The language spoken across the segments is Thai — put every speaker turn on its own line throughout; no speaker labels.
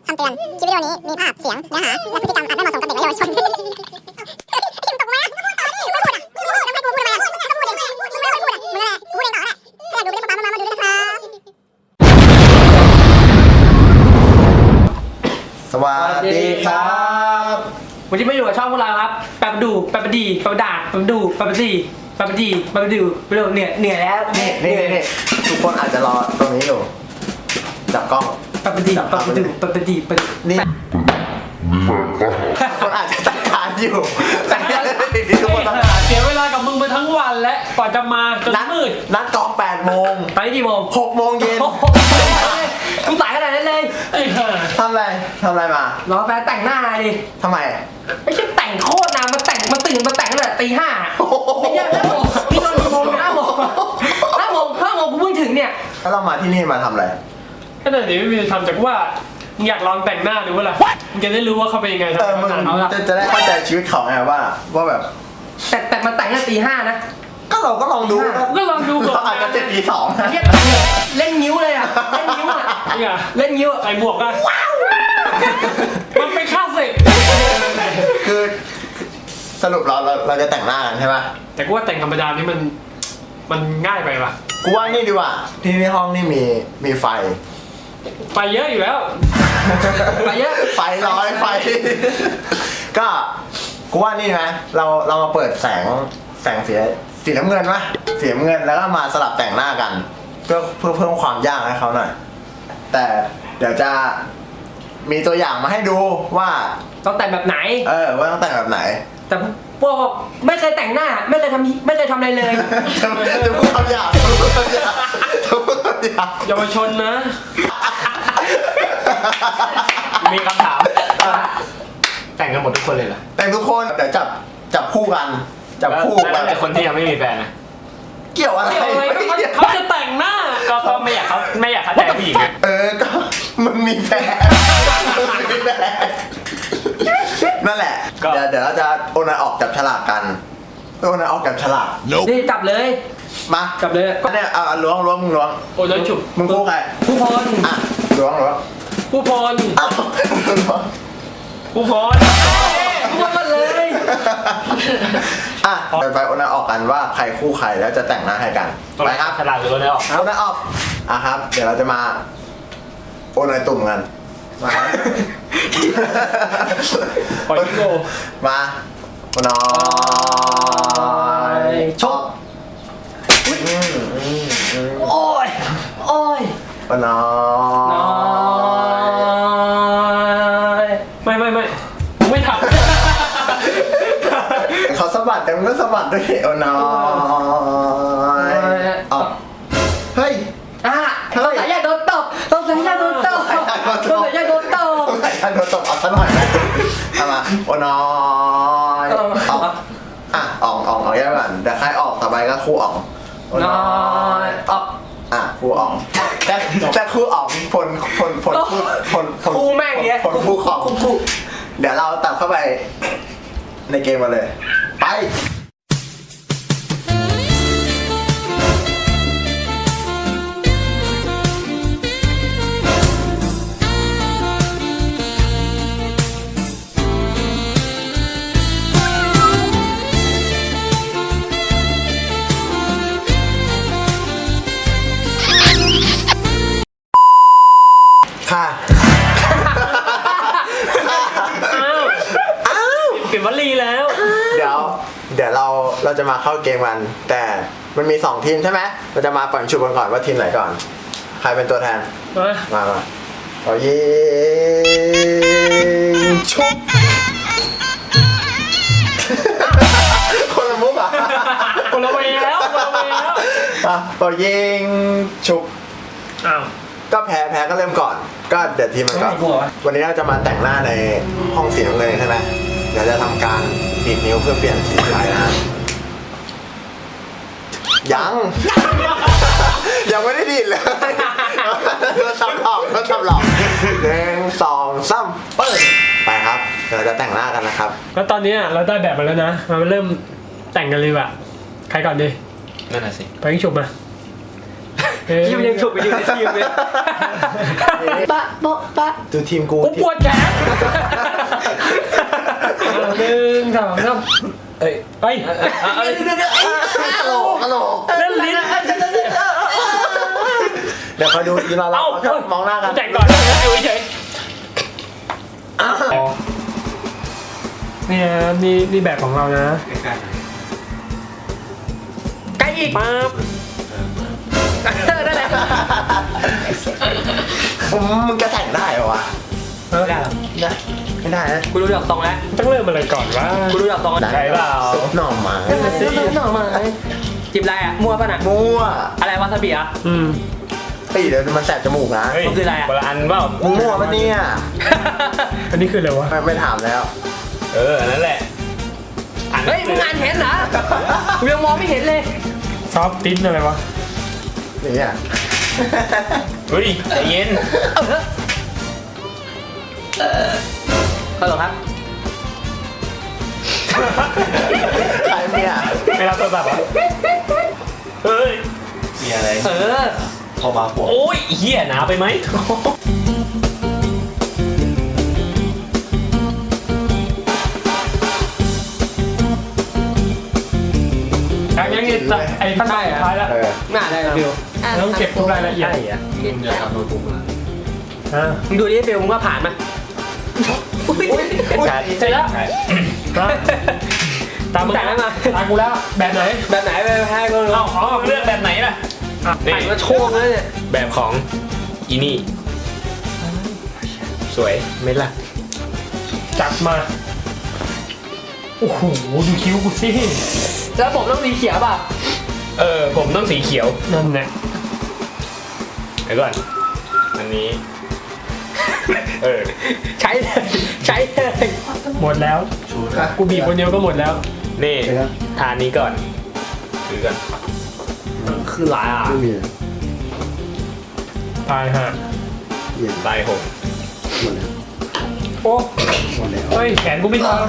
คำเตือน คลิปวิดีโอนี้มีภาพ เสียง เนื้อหา และพฤติกรรมอาจไม่เหมาะสมกับเด็กและเยาวชนคิมตกมาไม่พูดต่อดิไม่พูดอ่ะไม่พูดไม่พูดทำไมอ่ะก็พูดเองมึงไม่พูดอ่ะมึงอะไรพูดเองต่อแหละถ้าอยากดูไปเล่นมาดูด้วยนะครับ
สวัสดีครับ
วันนี้มาอยู่กับช่องพวกเราครับแปบดูแปบดีแปบดาแปบดูแปบดีแปบดีแปบดูไปดูเหนื่อยแล้ว
นี่ทุกคนอาจจะรอตรงนี้อยู่จับกล้อง
แปบดีแปบดูแปบดีแปบ
นี่คนอาจจะตั้งการอยู่แต่ทุกคนต้อง
เสียเวลากับมึงไปทั้งวันและกว่าจะมาจนมืด
นัดกอง8 โมง
ไปกี่โมง
6 โมงเย็น
มึงสายขนาดนั้นเลยไอ้ห่า
ทำอะไรมาร
อแฟนแต่งหน้าดิ
ทำไม
ไม่ใช่แต่งโคตรนานมาตื่นมาแต่งตั้งแต่ตี 5ไอ้เหี้ยแล้วผมพี่นอนกี่โมง5 โมงกูเพิ่งถึงเนี่ย
แล้วเรามาที่นี่มาทำอะไร
ขนาดนี้ไม่มีทำจากว่ามึงอยากลองแต่งหน้าดูว่าล่ะมึงจะได้รู้ว่าเขาเป็นยังไง
มึง
ทำงาน
จะได้เข้าใจชีวิตเขาไงว่าแบบ
แต่มาแต่งตั้งแต่ตี 5นะ
ก็เราก็ลองดู
ก็ลองดูก่อน
เราอาจจะเจ็บปี2นะ
เหี้ยเล่นนิ้วเลยอ่ะเล่นนิ้วอ่ะ
เนี่ย
เล่นนิ้ว
ใส่หมวกอะมันเป็นคลาสสิก
คือสรุปเราจะแต่งหน้ากันใช่ไหม
แต่กูว่าแต่งธรรมดานี่มันง่ายไปป่ะ
กูว่านี่ดีกว่าที่ในห้องนี่มีไฟ
ไฟเยอะอยู่แล้ว
ไปเยอะ
ไฟร้อยไฟ ก็กูว่านี่นะเรามาเปิดแสงสีน้ำเงินวะสีน้ำเงินแล้วก็มาสลับแต่งหน้ากัน เพื่อเพิ่มความยากให้เขาหน่อยแต่เดี๋ยวจะมีตัวอย่างมาให้ดูว่า
ต้องแต่งแบบไหน
ว่าต้องแต่งแบบไหน
แต่พวกบอกไม่เคยแต่งหน้า ไม่เคยทำอะไรเลย
จะพูดคำหยาบจะพูดคำหยาบจะพูดคำหยาบ
เยาวชนนะ
มีคำถาม แต่งกันหมดทุกคนเลยเหรอ
แต่งทุกคนเดี๋ยวจับคู่กันจับคู่
แล้วแต่คนที่ยังไม่มีแฟนนะ
เกี่ยวอะไร
เกี่ยวอะไรก็เขาจะแต่งหน้า
ก็ไม่อยากเข้าใจผู้หญิงอะ
ก็มันมีแฟนมันมีแฟนนั่นแหละ เดี๋ยวเราจะโอนออกจับฉลากกันโอนออกจับฉลาก
นี่จับเลย
มา
จับเลย
ก็เนี่ยล้วงมึงล้วง
โอ้ยฉุบ
มึงคู่ใคร
ผู้พร
อ่ะล้วง
ผู้พร
อ้าวล้วง
ผู้พร
ผู้พรกันเลย
อ่ะเดี๋ยวไปโอนออกกันว่าใครคู่ใครแล้วจะแต่งหน้าให้กันไปครับ
ฉลาดหรือว่าได้ออก
โอนออกครับ เดี๋ยวเราจะมาโอนตุ่มกันมา
ปล่อยพี่โก
มาโอนอยชก
โอ้ยโอ้ย
โอนอ
น้อย
ไม่มึงไม่ทำ
เขาสะบัดแต่มันก็สะบัดด้วยโอนอยออกเฮ้ย
ต้องสายใหญ่โดนตบต้องสายใหญ่โดนตบต้องสายใหญ่โดนตบ
โดนตบเอาซะหน่อยไหมทำมาโอนอยออกออกแยกกันแต่ใครออกต่อไปก็คู่ออกโอน
น้
อ
อย ยออก
คู่ออกแต่คู่ออกผล
คู่แม่งเงี้ย
ผลคู่ของ
คู่
เดี๋ยวเราตัดเข้าไปในเกมมาเลย ไป ค่ะ
เปลี่ยนวลีแล้ว
เดี๋ยวเราจะมาเข้าเกมกัน แต่มันมี2ทีมใช่ไหมเราจะมาปั่นชุบกันก่อนว่าทีมไหนก่อน ใครเป็นตัวแทน มาเอายิงชุบ คนละมุกอ่ะ
คนละเวแล้ว
เอายิงชุบ
อ้าว
ก็แพ้ก็เริ่มก่อน ก็เดี๋ยวทีมมันก่อน วันนี้เราจะมาแต่งหน้าในห้องสีน้ำเงินใช่ไหมเดี๋ยวจะทำการดีดนิ้วเพื่อเปลี่ยนสีสายนะยังไม่ได้ดีดเลยโดนสับหลอก1 2 3เปิดไปครับเดี๋ยวเราจะแต่งหน้ากันนะครับ
แล้วตอนนี้เราได้แบบมาแล้วนะมาเริ่มแต่งกันเลยว่ะใครก่อนดี
นั่นน่ะสิ
ไปยิงฉุบมา
ที่มันยังฉุกไปอยู่ในทีมเลยปะโปะปะ
ดูทีมกู
กูปวดแขน
1 2 3เอ้ย
ตลก
เล่นลิ้น
เดี๋ยวคอยดูอีเราชอบมองหน้ากัน
แจกก่อนนะอยู่เฉยเนี่ยนี่แบบของเรานะ
ใกล้อีกปั๊บนั่นแหละ
มึงจะแต่งได้เหรอวะ
ไม่ได้หรอ
นะไม่ได้นะ
กูรู้ดอกตรงแล้ว
ต้องเริ่มอะไรก่อนวะ
กูรู้ดอกตรงแล้ว
ใช่เปล่า
ซุปหน่อไม้
หน่อไม้จิบอะไรอ่ะมั่วป่ะน่ะ
มั่ว
อะไรวาซาบิอ่ะ
ตีเดี๋ยวมันแสบจมูกนะ
เฮ้ย
มันคืออะไรอ่ะ
คนละอันเปล่า
มึงมั่วปะเนี่ย
อันนี้คืออะไรวะ
ไม่ถามแล้ว
นั่นแหละ
เฮ้ยมึงอ่านเห็นเหรอกูยังมองไม่เห็นเลย
ซอฟติ้นอะไรวะ
นี่อ่ะ
เฮ้ยใจเย็น
ฮัลโหลครับ
ใครเนี่ย
ไม่รับโทรศัพท์เหรอเฮ้ย
มีอะไร
พอมาปวด
โอ้ยเหี้ยหนาไปไหมยังไอ้ขั้นตอนสุดท้ายแล้ว
น่าได้ฟิว
ต้องเก็บทุกรายละเอียด
มึงจะทำโน้ตบุ๊กนะ
มึงดูดิฟิวมึงว่าผ่านไหม
เสร็จแล้วตามมึง
จ่ายมา
ตามกูแล้วแบบไหน
แบบไหนไปให้กู
เอาเลือกแบบไหนล่ะ
ผ่านมาโชว์แล้วเนี่ย
แบบของอีนี่สวยไม่ล่ะจัดมาโอ้โหดูคิ้วกูสิ
แล้วผมต้องสีเขียวป่ะ
ผมต้องสีเขียวนั่นแหละเดี๋ยวก่อนอันนี้
ใช้เลย
หมดแล้วกูบีบคนเดียวก็หมดแล้วนี่
เดี๋ยวนะ
ทานนี้ก่อนถือก่อน
คือหลายอ่ะ
ไม่มี
ตายฮะ
เย็น
ตายหก
หมดแล้ว
โอ้
หมดแล้ว
เฮ้ยแขนกูไม่ทัน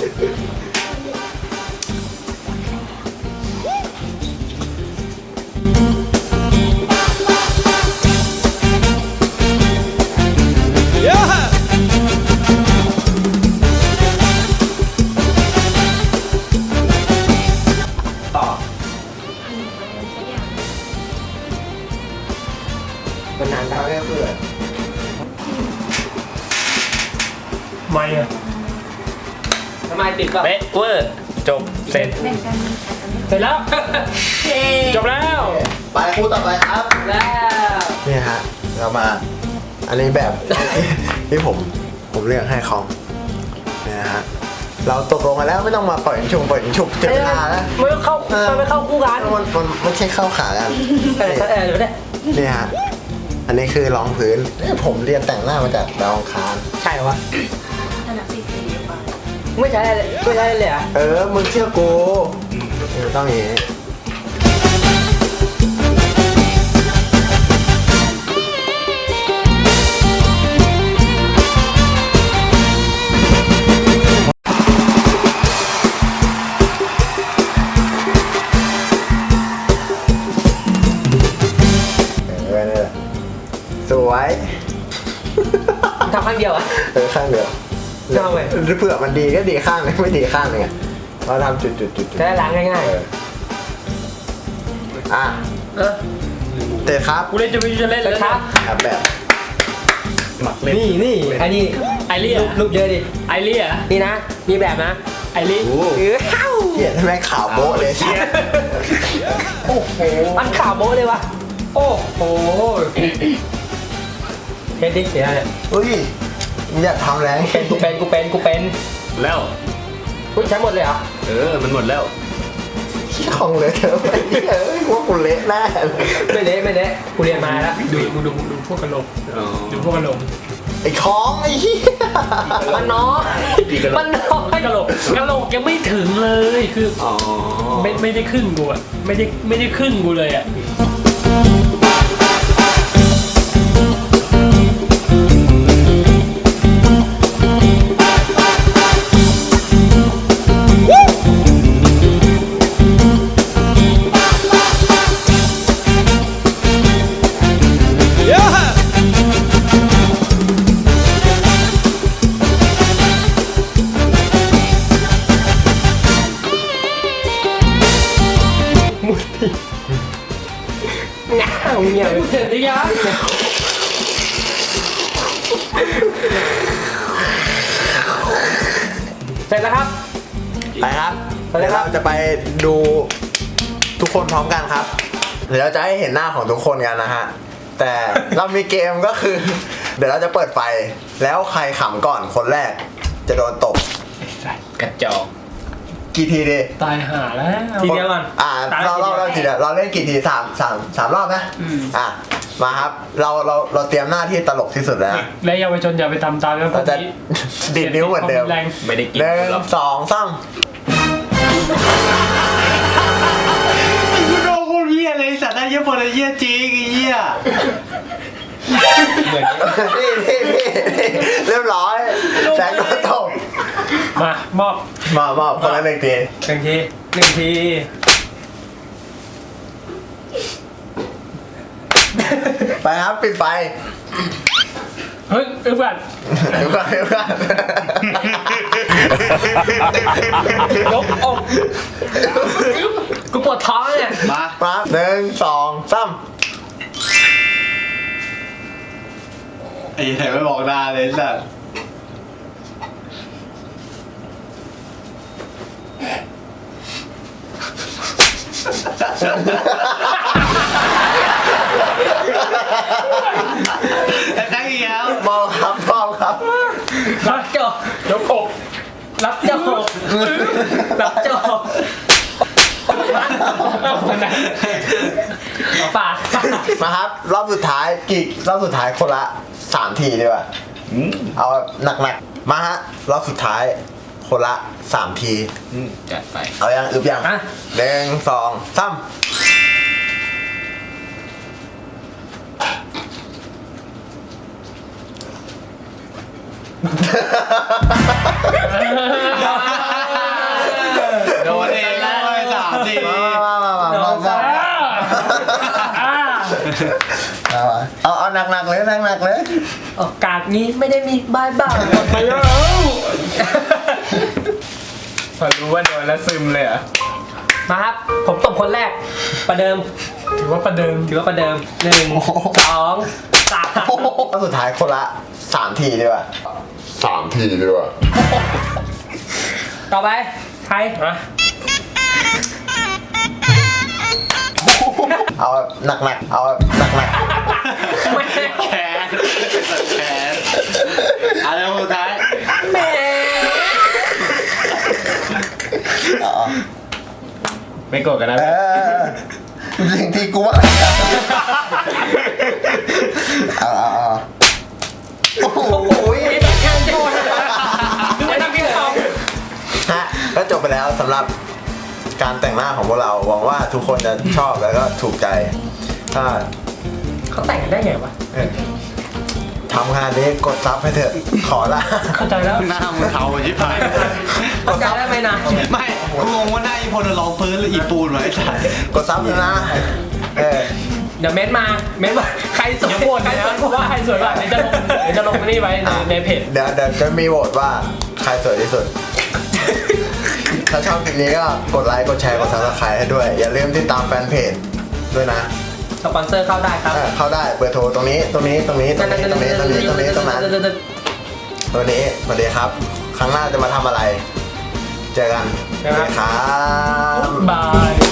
มันนานไป
ทำให้เพื่อน
ไม่อะ
ทำไมติดป่ะ
เป๊ะเวอร์จบเสร็จเสร็จแล้ว จบแล้ว
ไปคู่ต่อไปครับ
แล้ว
นี่ฮะเรามา อันนี้แบบ ที่ผมเลือกให้คอมเนี่ยฮะเราตกลงกันแล้วไม่ต้องมาปล่อยฉุกเจอเวลาแล้ว
ไม่เข้าไม่เข้าคู่กัน
มันไม่ใช่เข้าขากัน
เดี๋ยวได้
นี่ฮะอันนี้คือรองพื้นผมเรียนแต่งหน้ามาจากดาวอังคาร
ใช่เหรอวะไม่ใช่เลยไม่ใช่เลยอ่ะ
มึงเชื่อกูต้องอย่างนี้นี่แหละสวย
ทำครั้งเดียวอ่ะ
ข้างเดียว
ทำไม
เผื่อมันดีก็ดีข้างนึงไม่ดีข้างนึงอ่ะเราทำจุด
จะได้ล้างง่าย
อ่ะ
ๆ
เตะครับ
กูเล่นจะเล่น
เสร็
แล้
จ
ว
ครับ
ครับแบบ
หมักเล่น
นี่อันนี้
ไอเลี่ย
รูปเยอะดิ
ไอเลี่ย
นี่นะ มีแบบนะ
ไอเลี่ย
เกลียดทำไมขาวโบ๊ะเลยใช่
โอ้โหมันข่าวโม้เลยวะ
โอ้โห
เฮ็ดดิเสียเนี่ย
อุ้ยมึงอย่าทำแรง
กูเป็น
แล้ว
กูใช้หมดเลยเหรอ
มันหมดแล้ว
ของเลยเธอไปว่ากูเละแน่เลย
ไม่เละกูเรียนมาแล้ว
ดูพวกกระโหลกดูพวกกระโหลก
ไอ้ของไอ้เหี้ย
มันน้อยมันน้อย
กระโหลกยังไม่ถึงเลยคือไม่ได้ครึ่งกูอะไม่ได้ครึ่งกูเลยอะยะ
เสร็จแล้วครับ
ไปครับ
ไปเลย
เดี๋ยว
ครับ
เราจะไปดูทุกคนพร้อมกันครับ เดี๋ยวเราจะให้เห็นหน้าของทุกคนกันนะฮะ แต่เรามีเกมก็คือ เดี๋ยวเราจะเปิดไฟ แล้วใครขำก่อนคนแรก จะโดนตบ
กระจอก
กี่ทีดี
ตายห่าแล้ว
ทีเดียวก่อน
เราทีเดียวเราเล่นกี่ทีสามรอบนะมาครับ เราเตรียมหน้าที่ตลกที่สุดแล้ว
และเยาวชนอย่าไปทำตามนะพว
เรา
ก
จะ
นี้
ดีดนิ้วเหมือนเดิม
แรง
ไม่ได้กิน
หนึ่ง
หรอก
สองสาม
กูโดนกูเหี้ยเลยสัตว์ได้เหี้ยพอได้เหี้ยจริงไอ้เหี้ยเหมือน
นี่เรียบร้อยแสงโดนตบ
มามอบ
มาคนละหนึ่งที
หนึ่งที
ไปครับปิดไฟ
เฮ้ยเพื่อน
เดี๋ยวก่อน
ยกอกกูปวดท้องเนี่ย
มา
มาหนึ่งสองสาม
ไอ้ไหนไม่บอกหน้าเลยสัตว์ตั้งอีกแล้ว
มองครับมองครับ
รับจบ
ยกอก
รับจบรับจบ
เอาคนนั้น
ฝาก
มาครับ รอบสุดท้ายรอบสุดท้ายคนละ3 ทีดีกว่าเอาหนักๆมาฮะรอบสุดท้ายคนละ3 ที
จัดไป
เอายังอึบยังหนึ่งสองสาม
โดนเองเลย3 ที
มาเอาหนักๆเลยหนักๆเลย
โอกาสนี้ไม่ได้มีบายบาย
ไปแล้ว
พอรู้ว่าโดนแล้วซึมเลยอ่ะ
มาครับ ผมตบคนแรก ประเดิม
ถือว่าประเดิม
ถือว่าประเดิม1 2 3
รอบสุดท้ายคนละ3 ทีดีกว่า3 ทีดีกว่า
ต่อไปใคร
มา
เอาหนักๆเอาหนัก
ไม่
แขนแขนอะไรสุดท้าย
แม่
ๆเอา
ไม่โกรธกันนะ
สิ่งที่กูว่าเอาโอ้โห
ไม่ต้องแข่งโจนนะไม่ต้องกินของ
ฮะก็จบไปแล้วสำหรับการแต่งหน้าของพวกเราหวังว่าทุกคนจะชอบแล้วก็ถูกใจ ถ้า
เขาแต่งกันได้ไงวะ
ทำงานนี้กดซับให้เถอะขอละ
เข้าใจแล้ว
หน้ามึงเทาชิบหาย
เข้าใจได้ไหมนะ
ไม่กูงงว่าหน้าอีพลลองพื้นหรืออีปูนวะไอ้สัส
กดซับเลยนะ
เดี๋ยวเม้นมาใครสวย
อย่าโหวต
ใคร
นะ
สวยกว่า
ว่าใครสวยกว่าเดี๋ยวจะลงนี่ไว้ในเพจ
เดี๋ยวจะมีโหวตว่าใครสวยที่สุด ถ้าชอบคลิปนี้ก็กดไลค์กดแชร์กดซับสไครต์ให้ด้วย อย่าลืมติดตามแฟนเพจด้วยนะ
สปอนเซอร์เข้าได้ครับ
เข้าได้เบอร์โทรตรงนี้ตรงนี้ตรงนี้ตรงนี้ตรงนี้ตรงนี้ตรงนี้ตรงนั้นตัวนี้สวัสดีครับ ครั้งหน้าจะมาทำอะไร เจอกัน
ครับ
ครับ
บาย